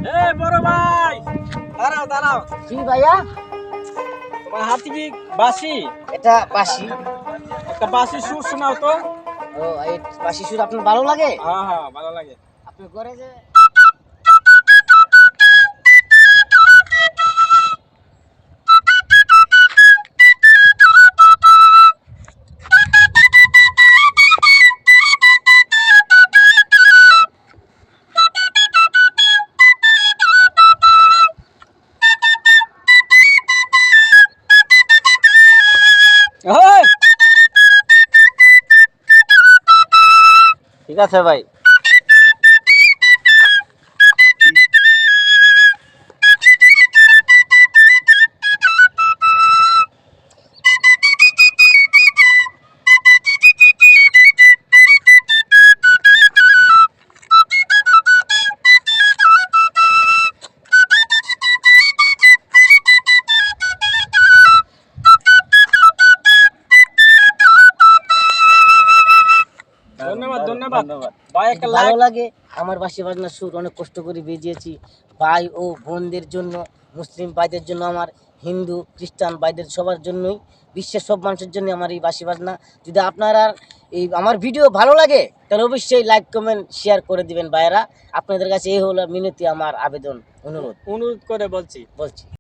এ বড় ভাই, দাঁড়াও দাঁড়াও। জি ভাইয়া, তোমার হাতে কি বাঁশি? এটা বাঁশি। একটা বাঁশি সুর শোনাও তো। ও, এই বাঁশি সুর আপনার ভালো লাগে? হ্যাঁ হ্যাঁ, ভালো লাগে। আপনার ঘরে যে ওই, ঠিক আছে ভাই। ধন্যবাদ ধন্যবাদ ভাই। একটা ভালো লাইক। লাগে আমার বাঁশি বাজনার সুর, অনেক কষ্ট করে বেজিয়েছি ভাই ও বোনদের জন্য, মুসলিম ভাইদের জন্য, আমার হিন্দু খ্রিস্টান ভাইদের সবার জন্যই, বিশ্বের সব মানুষের জন্য আমার এই বাঁশি বাজনা। যদি আপনারা এই আমার ভিডিও ভালো লাগে তাহলে অবশ্যই লাইক কমেন্ট শেয়ার করে দিবেন ভাইয়েরা। আপনাদের কাছে এই হলো মিনতি, আমার আবেদন, অনুরোধ অনুরোধ করে বলছি। বলছি।